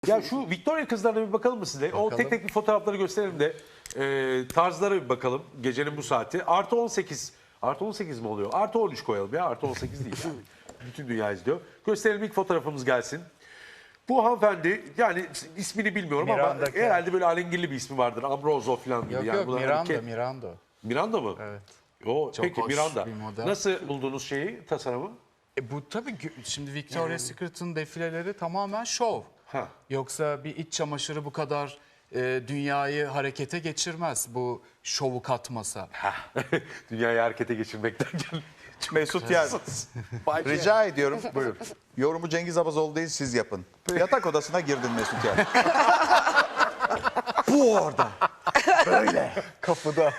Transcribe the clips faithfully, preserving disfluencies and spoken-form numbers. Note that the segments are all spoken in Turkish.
Ya şu Victoria kızlarına bir bakalım mı size? O Bakalım. tek tek bir fotoğrafları gösterelim de e, tarzlara bir bakalım gecenin bu saati. Artı on sekiz. Artı on sekiz mi oluyor? Artı on üç koyalım ya. Artı on sekiz değil yani. Bütün dünya izliyor. Gösterelim, ilk fotoğrafımız gelsin. Bu hanımefendi, yani ismini bilmiyorum Miranda ama Kerr. herhalde böyle alengirli bir ismi vardır. Ambrozo falan gibi. Yok yani. yok Bunlar Miranda, Ke- Miranda. Miranda mı? Evet. O, Çok peki hoş Miranda. bir model. Nasıl buldunuz şeyi, tasarımı? E bu tabii gö- şimdi Victoria's Secret'ın defileleri tamamen şov. Ha. Yoksa bir iç çamaşırı bu kadar e, dünyayı harekete geçirmez bu şovu katmasa. Dünyayı harekete geçirmekten gel. Mesut Yer. Rica ediyorum. Buyurun. Yorumu Cengiz Abazoğlu değil, siz yapın. Yatak odasına girdin Mesut Yer. Bu orada. Böyle. Kapıda.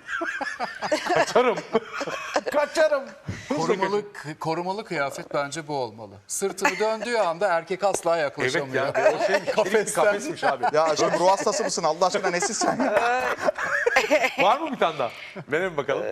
Kaçarım. Kaçarım. Korumalı k- korumalı kıyafet bence bu olmalı. Sırtını döndüğü anda erkek asla Evet yaklaşamıyor. ya. O şey kafesten. Kafesmiş abi. Ya aşkım ruh hastası mısın? Allah aşkına nesin sen ya? Var mı bir tane daha? Verelim bakalım.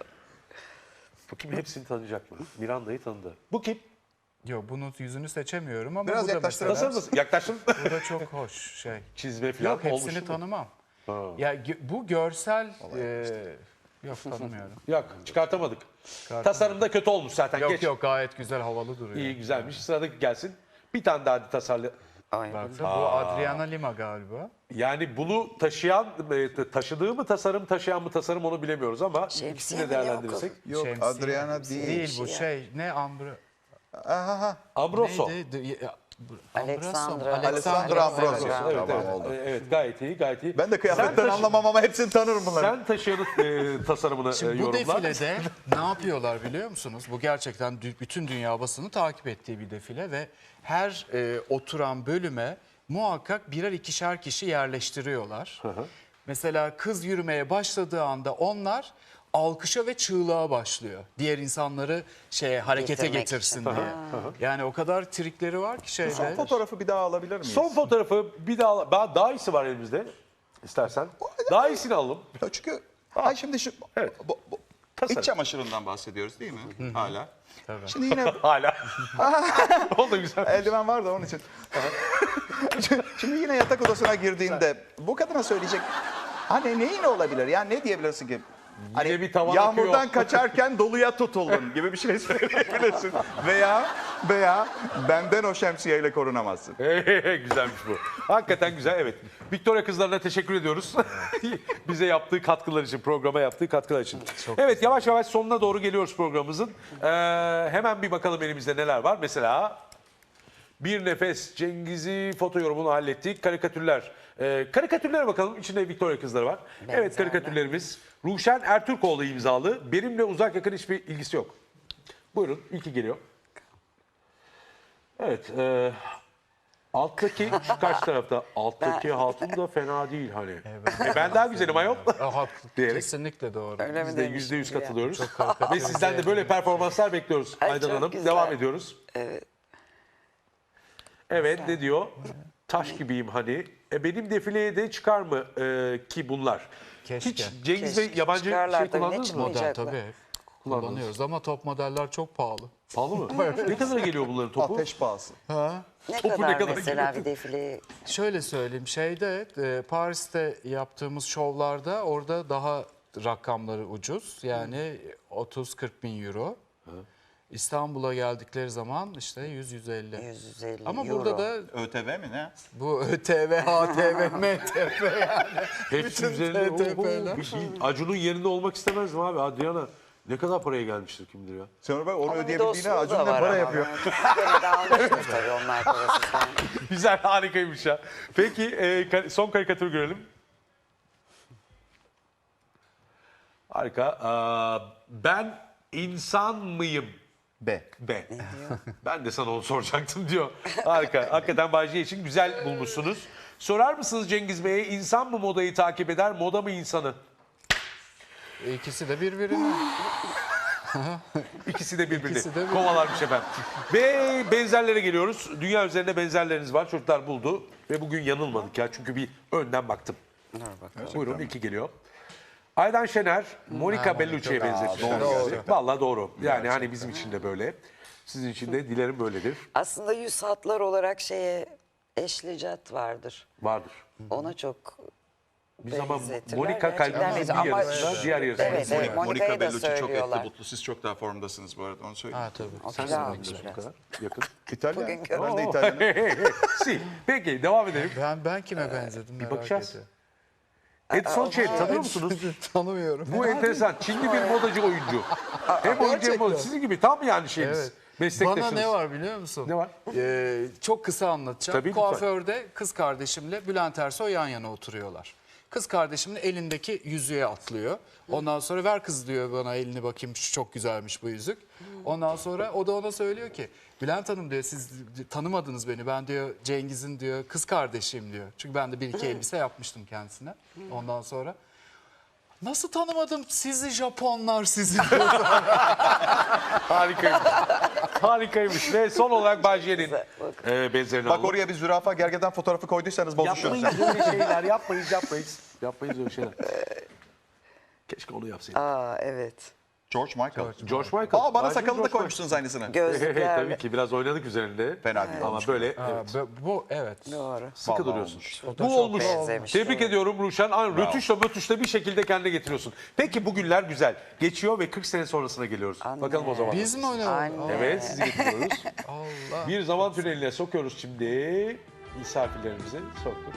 Bakayım hepsini tanıyacak mı? Miranda'yı tanıdı. Bu kim? Yok bunun yüzünü seçemiyorum ama Biraz bu da yaklaştırır mesela, Nasıl mısın? Yaklaştın. bu da çok hoş şey. Çizme falan Yok olmuş hepsini mu? tanımam. Ha. Ya gö- bu görsel e, yok tanımıyorum. Yok, çıkartamadık. Tasarımda kötü olmuş zaten. Yok Geç. yok gayet güzel havalı duruyor. İyi, güzelmiş. Sıradaki gelsin. Bir tane daha hadi tasarlı. Baksana, bu Adriana Lima galiba. Yani bunu taşıyan, e, taşıdığı mı tasarım, taşıyan mı tasarım onu bilemiyoruz ama Şemsiye ikisini de mi ne o değerlendirirsek. Yok Şemsiye. Adriana değil. Değil bu şey ne Ambro... Aha, Ambroso. Neydi? De- ya- Alexandra. Alessandra Ambroso. Evet, Tamam, evet. oldu. E, evet, gayet iyi, gayet iyi. Ben de Sen kıyafetten taşı- anlamam ama hepsini tanırım bunları. Sen taşıyanın e, tasarımını e, Şimdi bu yorumla. defilede ne yapıyorlar biliyor musunuz? Bu gerçekten dü- bütün dünya basını takip ettiği bir defile ve her e, oturan bölüme muhakkak birer ikişer kişi yerleştiriyorlar. Mesela kız yürümeye başladığı anda onlar alkışa ve çığlığa başlıyor. Diğer insanları şeye harekete Getirmek getirsin için. diye. Yani o kadar trikleri var ki şeyde. Son fotoğrafı bir daha alabilir miyiz? Son fotoğrafı bir daha, daha, daha iyisi var elimizde. İstersen. Daha iyisini alalım. Ya çünkü ay şimdi şu Evet. bu, bu, Tasarım. iç çamaşırından bahsediyoruz değil mi? Hala. Tabii. Şimdi yine Hala. o da güzel. eldiven var da onun için. Şimdi yine yatak odasına girdiğinde bu kadına söyleyecek hani neyin olabilir? Yani ne diyebilirsin ki? Hani bir tavan yağmurdan akıyor. kaçarken doluya tutuldun gibi bir şey söyleyebilirsin. veya veya benden o şemsiyeyle korunamazsın. Güzelmiş bu. Hakikaten güzel, evet. Victoria kızlarına teşekkür ediyoruz. Bize yaptığı katkılar için, programa yaptığı katkılar için. Evet, yavaş yavaş sonuna doğru geliyoruz programımızın. Ee, hemen bir bakalım elimizde neler var. Mesela bir nefes Cengiz'i foto yorumunu hallettik. Karikatürler. Ee, karikatürlere bakalım. İçinde Victoria kızları var. Evet, karikatürlerimiz. Ruşen Ertürkoğlu imzalı. Benimle uzak yakın hiçbir ilgisi yok. Buyurun, ilki geliyor. Evet. E, alttaki şu karşı tarafta. Alttaki hatun da fena değil hani. E, ben daha güzelim ayol. Ah, haklı. Diyerek. Kesinlikle doğru. Öyle mi Biz de demiş yüzde yüz şimdi ya? katılıyoruz. karikatür Ve sizden de böyle performanslar bekliyoruz Ay, Aydan çok Hanım. güzel. Devam ediyoruz. Evet. Evet, ne diyor? Taş gibiyim hani. E, benim defileye de çıkar mı e, ki bunlar? Keşke. Hiç Cengiz Bey Keşke. yabancı Çıkarlar şey tabii, ne kullandınız mı? çıkmayacak? Model Oynayacaklar. tabii. Kullanıyoruz ama top modeller çok pahalı. Pahalı mı? Ne kadar geliyor bunların topu? Ateş pahası. Ne Topu kadar, ne kadar mesela geliyor? bir defile Şöyle söyleyeyim şeyde e, Paris'te yaptığımız şovlarda orada daha rakamları ucuz. Yani otuz kırk bin euro. İstanbul'a geldikleri zaman işte yüz yüz elli. yüz yüz elli Ama euro. burada da ÖTV mi ne? bu ÖTV, HTV, MTV yani. Hepsi Bütün üzerinde. T T P'ler. Oho, bir- bir Acun'un yerinde olmak istemezdim abi. Adriana ne kadar paraya gelmiştir kim bilir ya. Sonra bak onu Ama bir de ödeyebildiğine Osmanlı Acun da ne var para ama yapıyor. yani. Gene de almıştır tabii onlar parası falan. Güzel, harikaymış ya. Peki e, ka- son karikatür görelim. Harika. Aa, ben insan mıyım? B. Be. Ben de sana onu soracaktım diyor. Harika. Hakikaten Bayce için güzel bulmuşsunuz. Sorar mısınız Cengiz Bey'e, insan mı modayı takip eder, moda mı insanı? İkisi de birbirine. İkisi de birbirini İkisi de birbirini. kovalarmış efendim. Ve benzerlere geliyoruz. Dünya üzerinde benzerleriniz var. Çocuklar buldu. Ve bugün yanılmadık ya. Çünkü bir önden baktım. Buyurun, ilki geliyor. Aydan Şener, Monica Bellucci'ye benzetmişler. doğru. yani. Vallahi doğru. Yani hani bizim için de böyle. Sizin için de dilerim böyledir. Aslında yüz hatlar olarak şeye Ashley Judd vardır. Vardır. Ona çok Biz ama benzetirler. Monika Gerçekten kalbimizin benziyor. bir Ama yarısında, diğer yarısında. Evet, evet. Monica, Monica'yı da Bellucci çok etli söylüyorlar. butlu. Siz çok daha formdasınız bu arada onu söyleyeyim. Ha tabii. O Sen kilo de almış bu biraz. kadar yakın. İtalyan. Bugün Ben de Oo. İtalyanım. Si. Peki devam edelim. Ben ben kime benzedim merak bakacağız. ediyorum. Edson Chen tanıyor musunuz? Tanımıyorum. Bu enteresan. Çinli bir modacı oyuncu. Hem oyuncu hem gerçekten. modacı. Sizin gibi tam yani şeyiniz. Evet. Meslektaşınız. Bana ne var biliyor musun? Ne var? Ee, çok kısa anlatacağım. Tabii, lütfen. Kuaförde kız kardeşimle Bülent Ersoy yan yana oturuyorlar. Kız kardeşimin elindeki yüzüğe atlıyor. Ondan sonra ver kız diyor bana elini bakayım şu çok güzelmiş bu yüzük. Ondan sonra o da ona söylüyor ki Bülent Hanım diyor siz tanımadınız beni ben diyor Cengiz'in diyor kız kardeşiyim diyor. Çünkü ben de bir iki elbise yapmıştım kendisine. Ondan sonra nasıl tanımadım sizi Japonlar sizi diyor. Harikaymış. Harikaymış. Ve son olarak Bajiye'nin e, benzerini Bak alalım. oraya bir zürafa gergedan fotoğrafı koyduysanız bozuşuruz. Yapmayız öyle şeyler. Yapmayız, yapmayız. Yapmayız öyle şeyler. Keşke onu yapsaydık. Aa evet. George Michael. George Michael. Aa bana Bajiye sakalını da George koymuşsunuz aynısını. Michael. Gözlükler. Tabii ki biraz oynadık üzerinde. Fena değil Ama olmuş. böyle Ha, evet, bu- bu evet. Doğru. sıkı Vallahi duruyorsun. olmuş. O da Bu çok olmuş. benzemiş, Tebrik doğru. ediyorum Ruşen. Ay, Rötuşla mötüşle bir şekilde kendine getiriyorsun. Peki bu günler güzel. Geçiyor ve kırk sene sonrasına geliyoruz. Anne. Bakalım o zaman. Biz mi oynayalım? Anne. Evet sizi getiriyoruz. Allah. Bir zaman tüneline sokuyoruz şimdi. Misafirlerimizi soktuk.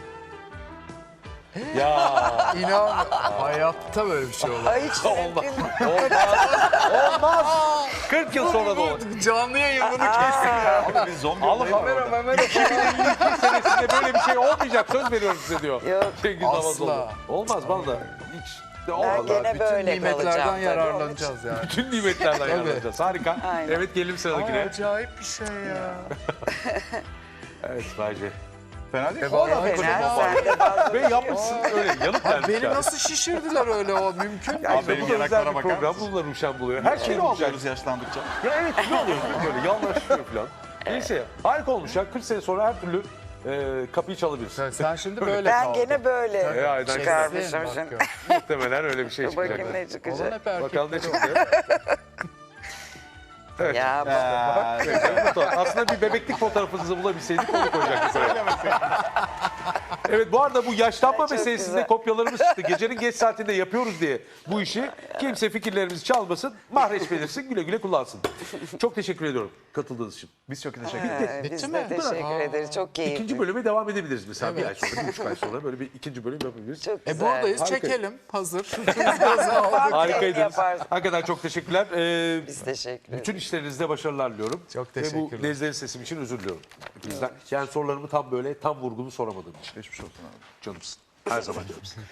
Ya İnan hayatta böyle bir şey olmaz. Ay hiç olmaz. mümkün değil. Olmaz. Olmaz. kırk yıl sonra da olur. Canlı yayın bunu kesin ya. Abi biz zombi Alın olayı var kamera orada. memera iki bin elli iki senesinde böyle bir şey olmayacak. Söz veriyorum size diyor. Yok. Cengiz Asla. Havazoğlu. Olmaz bana da. Hiç. De Ben olmaz. gene Bütün böyle nimetlerden kalacağım. tabii. yararlanacağız yani. Bütün nimetlerden Tabii. yararlanacağız. Harika. Aynen. Evet gelelim sıradakine. Acayip bir şey ya. Evet Bayce. Fena değil. O da Fena, fena. sen de fazla Ve yapmışsın öyle yanıp gelmiş. Beni yani. nasıl şişirdiler öyle o mümkün mü? Abi benim Bu da özel yanaklara bir bakar program. mısın? Bununla Ruşen buluyor. Her şey Kilo olacak. alıyoruz yaşlandıkça. Ya evet ne oluyor böyle yanlaşıyor falan. Neyse harika olmuş ya. kırk sene sonra her türlü e, kapıyı çalabilirsin. Sen, sen şimdi böyle Ben kaldın. gene böyle E, aynen. çıkarmışım Bak şimdi. gör. Muhtemelen öyle bir şey Bakayım çıkacak. ne Olan çıkacak. hep erkekler. Bakalım ne çıktı. Ya bak. Ee, Aslında bir bebeklik fotoğrafınızı bulabilseydik onu koyacaktık buraya. Evet bu arada bu yaşlanma Çok meselesinde güzel. kopyalarımız çıktı. Gecenin geç saatinde yapıyoruz diye bu işi. Kimse fikirlerimizi çalmasın, mahreç belirsin, güle güle kullansın. Çok teşekkür ediyorum katıldığınız için. biz çok teşekkür ederiz. Ee, Biz mi? de teşekkür ederiz. Çok keyifli. İkinci bölüme devam edebiliriz mesela bir ay sonra, bir buçuk ay sonra böyle bir ikinci bölüm yapabiliriz. Çok E güzel. buradayız Harika. çekelim hazır. Biraz aldık. Harikaydınız. yaparsın. Hakikaten çok teşekkürler. Ee, Biz teşekkür ederiz. bütün işlerinizde başarılar diliyorum. Çok Ve bu teşekkürler. nezleri sesim için özür diliyorum. Hepinizden. Yani sorularımı tam böyle tam vurgulu soramadığım için. Geçmiş olsun abi. Canımsın. Her zaman canımsın.